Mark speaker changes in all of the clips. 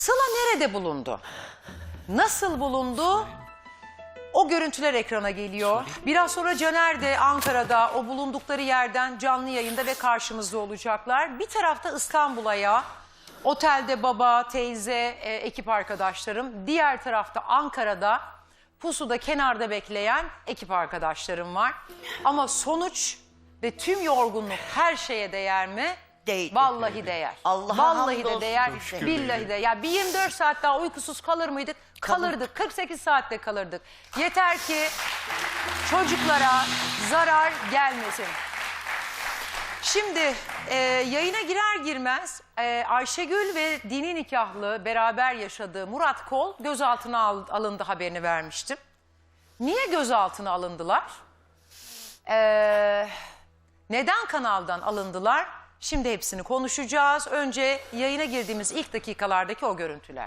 Speaker 1: Sıla nerede bulundu? Nasıl bulundu? O görüntüler ekrana geliyor. Biraz sonra Caner de Ankara'da o bulundukları yerden canlı yayında ve karşımızda olacaklar. Bir tarafta İstanbul'a ya. Otelde baba, teyze, ekip arkadaşlarım. Diğer tarafta Ankara'da pusuda kenarda bekleyen ekip arkadaşlarım var. Ama sonuç ve tüm yorgunluk her şeye değer mi?
Speaker 2: Değdi.
Speaker 1: Vallahi değer.
Speaker 2: Allah'a
Speaker 1: Vallahi de
Speaker 2: hamdolsun.
Speaker 1: değer. Billahi de. Ya bir 24 saat daha uykusuz kalır mıydık? Kalırdık. 48 saatte kalırdık. Yeter ki çocuklara zarar gelmesin. Şimdi yayına girer girmez Ayşegül ve dini nikahlı beraber yaşadığı Murat Kol gözaltına alındı haberini vermiştim. Niye gözaltına alındılar? Neden kanaldan alındılar? Şimdi hepsini konuşacağız. Önce yayına girdiğimiz ilk dakikalardaki o görüntüler.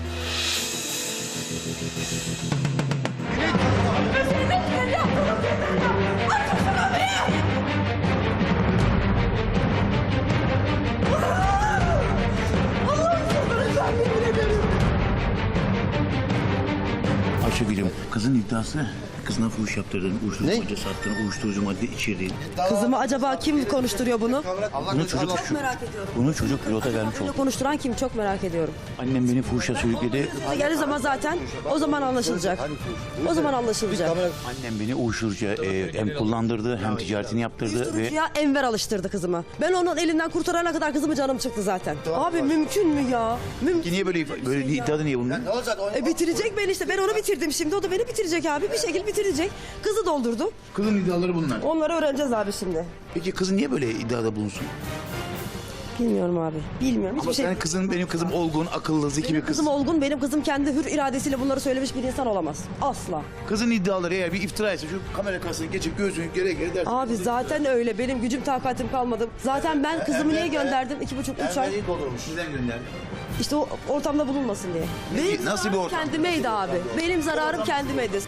Speaker 3: Ayşegül'üm, kızın iddiası kızına fuhuş yaptırdın, uyuşturucu madde sattın, uyuşturucu madde içirdin.
Speaker 4: Kızımı acaba kim konuşturuyor bunu?
Speaker 3: Bunu çocuk
Speaker 4: Çok merak ediyorum.
Speaker 3: bunu çocuk pilota vermiş
Speaker 4: Bunu
Speaker 3: oldu.
Speaker 4: konuşturan kim? Çok merak ediyorum.
Speaker 3: Annem beni fuhuşa sürükledi.
Speaker 4: Geldiği zaman zaten o zaman anlaşılacak. O zaman anlaşılacak.
Speaker 3: Annem beni uyuşturucuya hem kullandırdı hem ticaretini yaptırdı ve
Speaker 4: Uyuşturucuya Enver alıştırdı kızımı. Ben onun elinden kurtarana kadar kızımı canım çıktı zaten. Abi mümkün mü ya? Mümkün.
Speaker 3: niye böyle iddiada niye bunu?
Speaker 4: Bitirecek beni işte. Ben onu bitirdim şimdi. O da beni bitirecek abi. Bir şekilde bitirecek. Kızı doldurdu.
Speaker 3: Kızın iddiaları bunlar.
Speaker 4: Onları öğreneceğiz abi şimdi.
Speaker 3: Peki kızın niye böyle iddiada bulunsun?
Speaker 4: Bilmiyorum abi. Bilmiyorum.
Speaker 3: Ama
Speaker 4: Hiçbir şey.
Speaker 3: senin kızın benim kızım olgun, akıllı, zeki bir kız.
Speaker 4: Kızım olgun. Benim kızım kendi hür iradesiyle bunları söylemiş bir insan olamaz. Asla.
Speaker 3: Kızın iddiaları eğer bir iftira ise şu kamera karşısına geçip göğsünü gere dersin.
Speaker 4: Abi zaten öyle. Benim gücüm takatim kalmadı. Zaten ben kızımı niye gönderdim? 2,5-3 ay.
Speaker 3: doldurmuş. Sizden gönderdi.
Speaker 4: İşte o ortamda bulunmasın diye.
Speaker 3: Nasıl bir ortam?
Speaker 4: Kendimeydi abi. Benim zararım kendimeydi.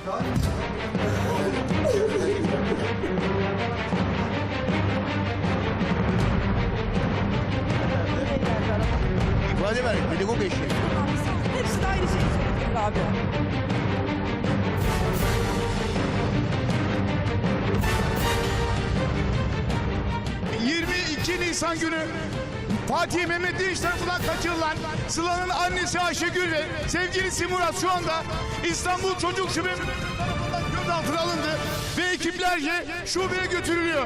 Speaker 3: İfade ver, pedagog eşi.
Speaker 4: Hepsi de aynı şeyi söylüyor abi.
Speaker 5: Nisan günü Fatih Mehmet Dinç tarafından kaçırılan Sıla'nın annesi Ayşegül ve sevgilisi Murat şu anda İstanbul Çocuk Şubesi tarafından gözaltına alındı ve ekiplerce şubeye götürülüyor.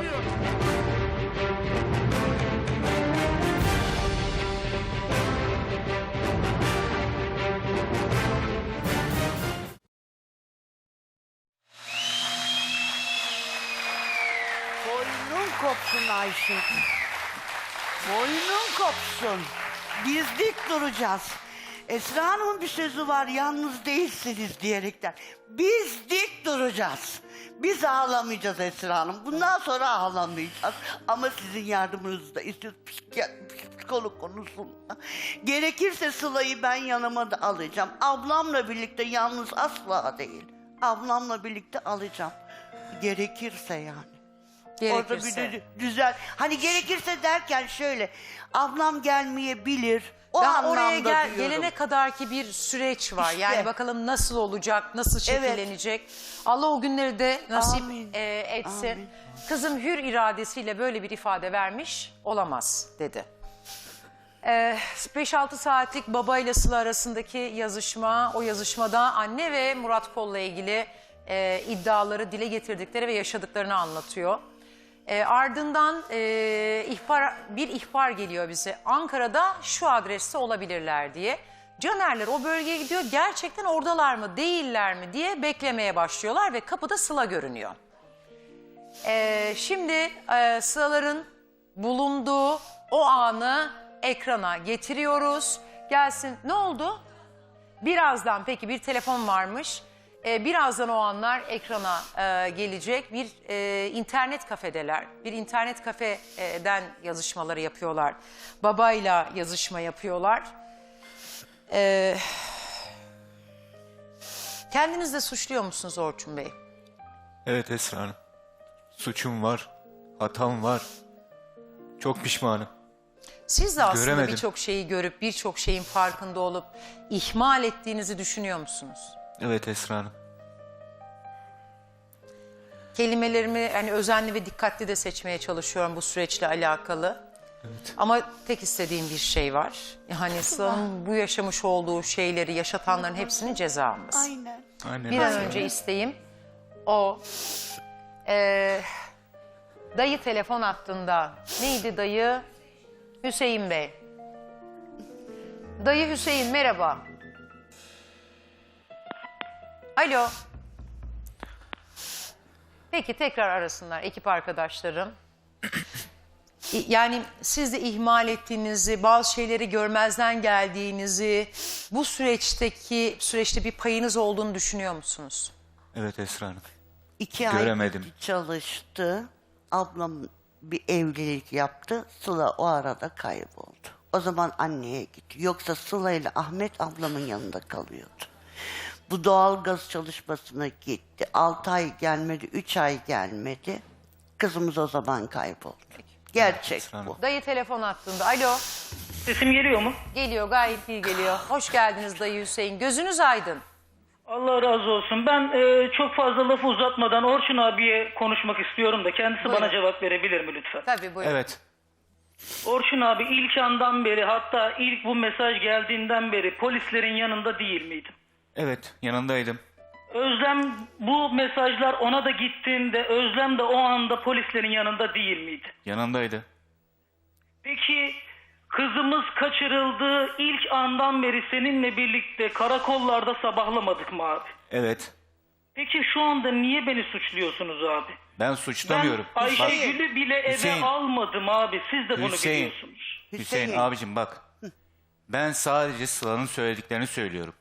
Speaker 2: Boynun kopsun Ayşegül. Boynun kopsun. Biz dik duracağız. Esra Hanım'ın bir sözü var, yalnız değilsiniz diyerekten. Biz dik duracağız. Biz ağlamayacağız Esra Hanım. Bundan sonra ağlamayacağız. Ama sizin yardımınızı da istiyoruz. Psikolog konusunda. Gerekirse Sıla'yı ben yanıma da alacağım. Ablamla birlikte, yalnız asla değil. Ablamla birlikte alacağım. Gerekirse yani. Orada
Speaker 1: Gerekirse.
Speaker 2: bir güzel. Hani gerekirse derken şöyle. Ablam gelmeyebilir. O
Speaker 1: Ben
Speaker 2: anlamda
Speaker 1: oraya
Speaker 2: diyorum.
Speaker 1: gelene kadarki bir süreç var.
Speaker 2: İşte.
Speaker 1: Yani bakalım nasıl olacak, nasıl şekillenecek. Allah o günleri de nasip
Speaker 2: Amin.
Speaker 1: etsin.
Speaker 2: Amin.
Speaker 1: Kızım hür iradesiyle böyle bir ifade vermiş olamaz dedi. 5-6 saatlik babayla Sıla arasındaki yazışma, o yazışmada anne ve Murat Kol'la ilgili iddiaları dile getirdikleri ve yaşadıklarını anlatıyor. Ardından bir ihbar geliyor bize. Ankara'da şu adreste olabilirler diye. Canerler o bölgeye gidiyor. Gerçekten oradalar mı, değiller mi diye beklemeye başlıyorlar ve kapıda Sıla görünüyor. Şimdi Sıla'ların bulunduğu o anı ekrana getiriyoruz. Gelsin. Ne oldu? Birazdan peki bir telefon varmış. Birazdan o anlar ekrana gelecek. Bir internet kafedeler. Bir internet kafeden yazışmaları yapıyorlar. Babayla yazışma yapıyorlar. Kendiniz de suçluyor musunuz Orçun Bey?
Speaker 6: Evet Esra Hanım. Suçum var, hatam var. Çok pişmanım.
Speaker 1: Siz de aslında
Speaker 6: Göremedim.
Speaker 1: birçok şeyi görüp birçok şeyin farkında olup ihmal ettiğinizi düşünüyor musunuz?
Speaker 6: Evet Esra Hanım.
Speaker 1: Kelimelerimi hani özenli ve dikkatli de seçmeye çalışıyorum bu süreçle alakalı.
Speaker 6: Evet.
Speaker 1: Ama tek istediğim bir şey var. Yani Sıla'nın bu yaşamış olduğu şeyleri yaşatanların hepsinin ceza alması.
Speaker 2: Aynen.
Speaker 6: Aynen.
Speaker 1: Bir an
Speaker 6: Esra
Speaker 1: önce
Speaker 6: Hanım.
Speaker 1: isteğim o dayı telefon hattında. Neydi dayı? Hüseyin Bey. Dayı Hüseyin merhaba. Alo. Peki tekrar arasınlar ekip arkadaşlarım. Yani siz de ihmal ettiğinizi, bazı şeyleri görmezden geldiğinizi, bu süreçte bir payınız olduğunu düşünüyor musunuz?
Speaker 6: Evet Esra Hanım.
Speaker 2: 2 ay
Speaker 6: Göremedim.
Speaker 2: çalıştı. Ablam bir evlilik yaptı. Sıla o arada kayboldu. O zaman anneye gitti. Yoksa Sıla ile Ahmet ablamın yanında kalıyordu. Bu doğalgaz çalışmasına gitti. 6 ay gelmedi, 3 ay gelmedi. Kızımız o zaman kayboldu. Gerçek
Speaker 6: Esra Hanım.
Speaker 2: bu.
Speaker 1: Dayı telefon hattında. Alo.
Speaker 7: Sesim geliyor mu?
Speaker 1: Geliyor, gayet iyi geliyor. Hoş geldiniz dayı Hüseyin. Gözünüz aydın.
Speaker 7: Allah razı olsun. Ben çok fazla lafı uzatmadan Orçun abiye konuşmak istiyorum da kendisi
Speaker 1: Buyurun.
Speaker 7: bana cevap verebilir mi lütfen?
Speaker 1: Tabii buyurun.
Speaker 6: Evet.
Speaker 7: Orçun abi ilk andan beri, hatta ilk bu mesaj geldiğinden beri polislerin yanında değil miydim?
Speaker 6: Evet yanındaydım.
Speaker 7: Özlem, bu mesajlar ona da gittiğinde Özlem de o anda polislerin yanında değil miydi?
Speaker 6: Yanındaydı.
Speaker 7: Peki kızımız kaçırıldığı ilk andan beri seninle birlikte karakollarda sabahlamadık mı abi?
Speaker 6: Evet.
Speaker 7: Peki şu anda niye beni suçluyorsunuz abi?
Speaker 6: Ben suçlamıyorum.
Speaker 7: Ben Ayşegül'ü bile eve
Speaker 6: Hüseyin.
Speaker 7: almadım abi. Siz de bunu
Speaker 6: Hüseyin.
Speaker 7: biliyorsunuz.
Speaker 6: Hüseyin abicim bak. Ben sadece Sıla'nın söylediklerini söylüyorum.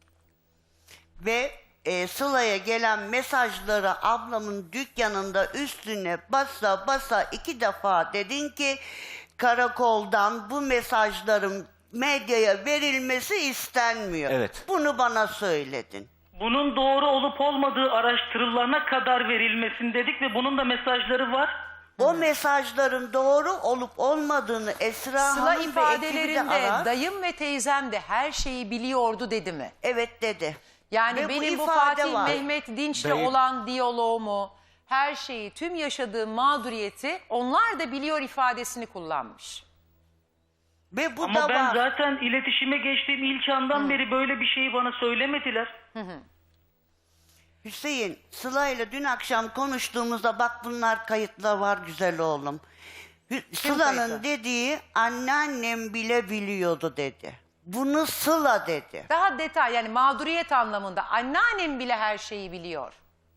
Speaker 2: Ve Sıla'ya gelen mesajları ablamın dükkanında üstüne basa basa 2 defa dedin ki karakoldan bu mesajların medyaya verilmesi istenmiyor.
Speaker 6: Evet.
Speaker 2: Bunu bana söyledin.
Speaker 7: Bunun doğru olup olmadığı araştırılana kadar verilmesin dedik ve bunun da mesajları var.
Speaker 2: O mesajların doğru olup olmadığını Esra
Speaker 1: Sıla
Speaker 2: Hanım ve ekibi de
Speaker 1: ifadelerinde
Speaker 2: arar.
Speaker 1: dayım ve teyzem de her şeyi biliyordu dedi mi?
Speaker 2: Evet dedi.
Speaker 1: Yani
Speaker 2: Ve bu
Speaker 1: benim bu
Speaker 2: ifade
Speaker 1: Fatih
Speaker 2: var.
Speaker 1: Mehmet Dinç'le
Speaker 6: Dayı-
Speaker 1: olan diyaloğumu, her şeyi, tüm yaşadığım mağduriyeti onlar da biliyor ifadesini kullanmış.
Speaker 2: Ve bu
Speaker 7: Ama
Speaker 2: da
Speaker 7: ben
Speaker 2: var.
Speaker 7: zaten iletişime geçtiğim ilk andan beri böyle bir şeyi bana söylemediler.
Speaker 2: Hüseyin, Sıla ile dün akşam konuştuğumuzda bak bunlar kayıtlar var güzel oğlum. Sıla'nın
Speaker 1: kayıtlı?
Speaker 2: dediği anneannem bile biliyordu dedi. Bunu Sıla dedi.
Speaker 1: Daha detay yani mağduriyet anlamında anneannem bile her şeyi biliyor.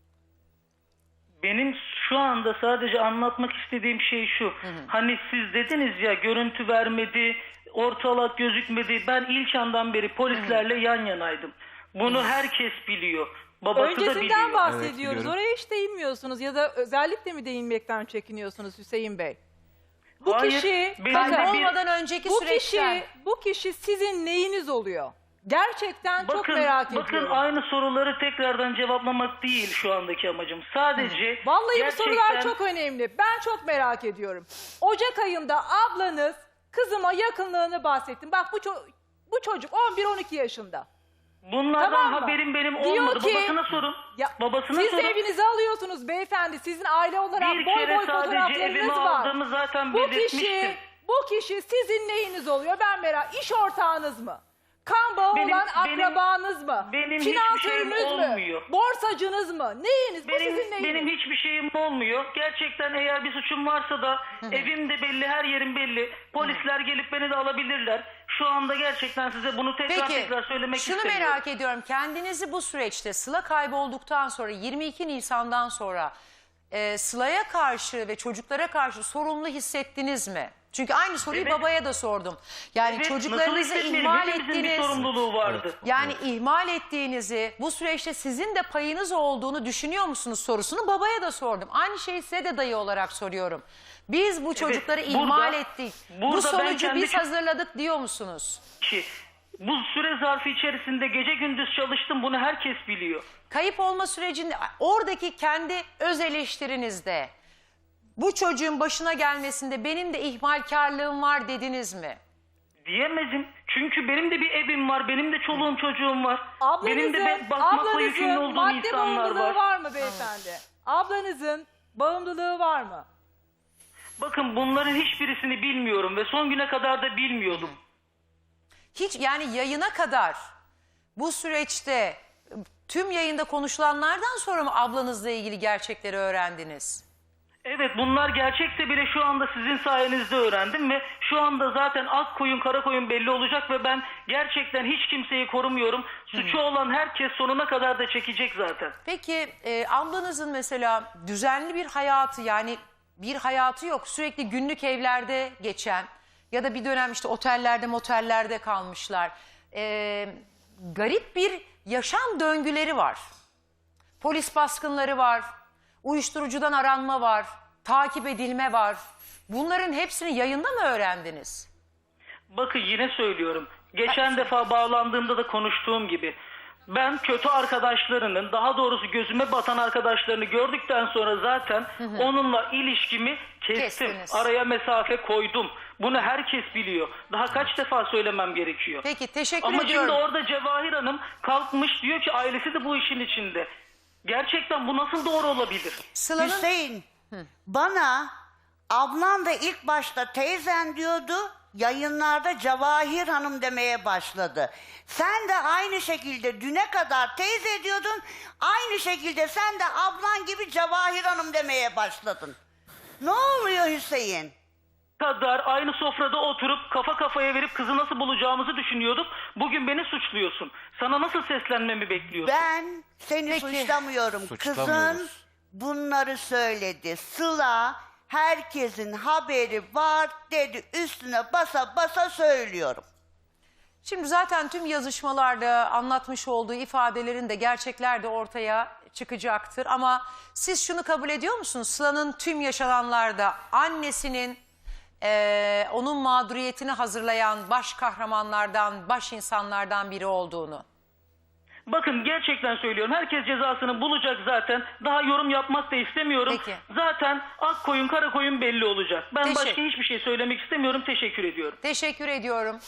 Speaker 7: Benim şu anda sadece anlatmak istediğim şey şu. Hani siz dediniz ya görüntü vermedi, ortalık gözükmedi. Ben ilk andan beri polislerle yan yanaydım. Bunu herkes biliyor. Babası da
Speaker 8: Öncesinden
Speaker 7: biliyor.
Speaker 8: bahsediyoruz.
Speaker 6: biliyorum.
Speaker 8: Oraya hiç değinmiyorsunuz ya da özellikle mi değinmekten çekiniyorsunuz Hüseyin Bey? Bu
Speaker 7: Hayır,
Speaker 8: kişi
Speaker 7: benim
Speaker 8: bakın,
Speaker 7: de bir-
Speaker 1: Olmadan önceki süreçten.
Speaker 8: bu kişi sizin neyiniz oluyor? Gerçekten çok merak
Speaker 7: bakın
Speaker 8: ediyorum.
Speaker 7: aynı soruları tekrardan cevaplamak değil şu andaki amacım. Sadece
Speaker 8: Vallahi
Speaker 7: gerçekten...
Speaker 8: bu sorular çok önemli. Ben çok merak ediyorum. Ocak ayında ablanız kızıma yakınlığını bahsettim. Bak bu çocuk 11-12 yaşında.
Speaker 7: Bunlardan
Speaker 8: Tamam mı?
Speaker 7: haberim benim
Speaker 8: Diyor
Speaker 7: olmadı.
Speaker 8: ki-
Speaker 7: Babasına sorun.
Speaker 8: Ya,
Speaker 7: Babasına
Speaker 8: siz
Speaker 7: sorun.
Speaker 8: de evinize alıyorsunuz beyefendi. Sizin aile olarak
Speaker 7: Bir
Speaker 8: boy
Speaker 7: kere
Speaker 8: boy
Speaker 7: sadece
Speaker 8: fotoğraflarınız
Speaker 7: evime
Speaker 8: var.
Speaker 7: aldığımı zaten
Speaker 8: Bu
Speaker 7: belirtmiştim.
Speaker 8: kişi sizin neyiniz oluyor? Ben merak. İş ortağınız mı? Kan bağı
Speaker 7: Benim-
Speaker 8: olan
Speaker 7: benim-
Speaker 8: akrabanız mı?
Speaker 7: benim hiçbir
Speaker 8: Finansörünüz
Speaker 7: şeyim
Speaker 8: mü?
Speaker 7: olmuyor.
Speaker 8: Borsacınız mı? Neyiniz? Bu sizin neyiniz?
Speaker 7: Benim hiçbir şeyim olmuyor. Gerçekten eğer bir suçum varsa da evim de belli, her yerim belli. Polisler gelip beni de alabilirler. Şu anda gerçekten size bunu tekrar söylemek
Speaker 1: şunu
Speaker 7: istemiyorum.
Speaker 1: merak ediyorum. Kendinizi bu süreçte Sıla kaybolduktan sonra 22 Nisan'dan sonra Sıla'ya karşı ve çocuklara karşı sorumlu hissettiniz mi? Çünkü aynı soruyu
Speaker 7: Evet.
Speaker 1: babaya da sordum. Yani
Speaker 7: Evet,
Speaker 1: çocuklarınızı
Speaker 7: nasıl hissetmeyelim?
Speaker 1: ihmal
Speaker 7: Hepimizin bir
Speaker 1: ettiğiniz,
Speaker 7: sorumluluğu vardı.
Speaker 1: yani ihmal ettiğinizi, bu süreçte sizin de payınız olduğunu düşünüyor musunuz sorusunu babaya da sordum. Aynı şeyi size de dayı olarak soruyorum. Biz bu çocukları
Speaker 7: burada-
Speaker 1: ihmal ettik. Bu
Speaker 7: burada ben
Speaker 1: sonucu
Speaker 7: kendi
Speaker 1: biz hazırladık diyor musunuz?
Speaker 7: Ki bu süre zarfı içerisinde gece gündüz çalıştım. Bunu herkes biliyor.
Speaker 1: Kayıp olma sürecinde oradaki kendi öz eleştirinizde Bu çocuğun başına gelmesinde benim de ihmalkarlığım var dediniz mi?
Speaker 7: Diyemezim. Çünkü benim de bir evim var. Benim de çoluğum çocuğum var. benim de
Speaker 8: Ablanızın,
Speaker 7: bakmakla yükümlü olduğum
Speaker 8: madde
Speaker 7: insanlar
Speaker 8: bağımlılığı
Speaker 7: var.
Speaker 8: var mı beyefendi? Ablanızın bağımlılığı var mı?
Speaker 7: Bakın bunların hiçbirisini bilmiyorum ve son güne kadar da bilmiyordum.
Speaker 1: Hiç yani yayına kadar bu süreçte tüm yayında konuşulanlardan sonra mı ablanızla ilgili gerçekleri öğrendiniz?
Speaker 7: Evet, bunlar gerçekse bile şu anda sizin sayenizde öğrendim ve şu anda zaten ak koyun kara koyun belli olacak ve ben gerçekten hiç kimseyi korumuyorum. Suçu olan herkes sonuna kadar da çekecek zaten.
Speaker 1: Peki ablanızın mesela düzenli bir hayatı, yani bir hayatı yok, sürekli günlük evlerde geçen ya da bir dönem işte otellerde motellerde kalmışlar. Garip bir yaşam döngüleri var. Polis baskınları var, uyuşturucudan aranma var, takip edilme var. Bunların hepsini yayında mı öğrendiniz?
Speaker 7: Bakın yine söylüyorum. Geçen defa bağlandığımda da konuştuğum gibi. Ben kötü arkadaşlarının, daha doğrusu gözüme batan arkadaşlarını gördükten sonra zaten onunla ilişkimi kestim.
Speaker 1: Kestiniz.
Speaker 7: Araya mesafe koydum. Bunu herkes biliyor. Daha kaç defa söylemem gerekiyor.
Speaker 1: Peki, teşekkür
Speaker 7: Ama
Speaker 1: ediyorum.
Speaker 7: şimdi orada Cevahir Hanım kalkmış diyor ki ailesi de bu işin içinde. Gerçekten bu nasıl doğru olabilir?
Speaker 1: Sıla'nın
Speaker 2: Hüseyin, bana ablam da ilk başta teyzen diyordu, yayınlarda Cevahir Hanım demeye başladı. Sen de aynı şekilde düne kadar teyze diyordun, aynı şekilde sen de ablan gibi Cevahir Hanım demeye başladın. Ne oluyor Hüseyin?
Speaker 7: Kadar aynı sofrada oturup kafa kafaya verip kızı nasıl bulacağımızı düşünüyorduk. Bugün beni suçluyorsun. Sana nasıl seslenmemi bekliyorsun?
Speaker 2: Ben seni suçlamıyorum. Kızın
Speaker 6: Suçlamıyoruz.
Speaker 2: bunları söyledi. Sıla herkesin haberi var dedi. Üstüne basa basa söylüyorum.
Speaker 1: Şimdi zaten tüm yazışmalarda anlatmış olduğu ifadelerin de gerçekler de ortaya çıkacaktır. Ama siz şunu kabul ediyor musunuz? Sıla'nın tüm yaşananlarda annesinin onun mağduriyetini hazırlayan baş kahramanlardan, baş insanlardan biri olduğunu.
Speaker 7: Bakın gerçekten söylüyorum. Herkes cezasını bulacak zaten. Daha yorum yapmak da istemiyorum.
Speaker 1: Peki.
Speaker 7: Zaten ak koyun kara koyun belli olacak. Ben
Speaker 1: Teşekkür.
Speaker 7: başka hiçbir şey söylemek istemiyorum. Teşekkür ediyorum.
Speaker 1: Teşekkür ediyorum.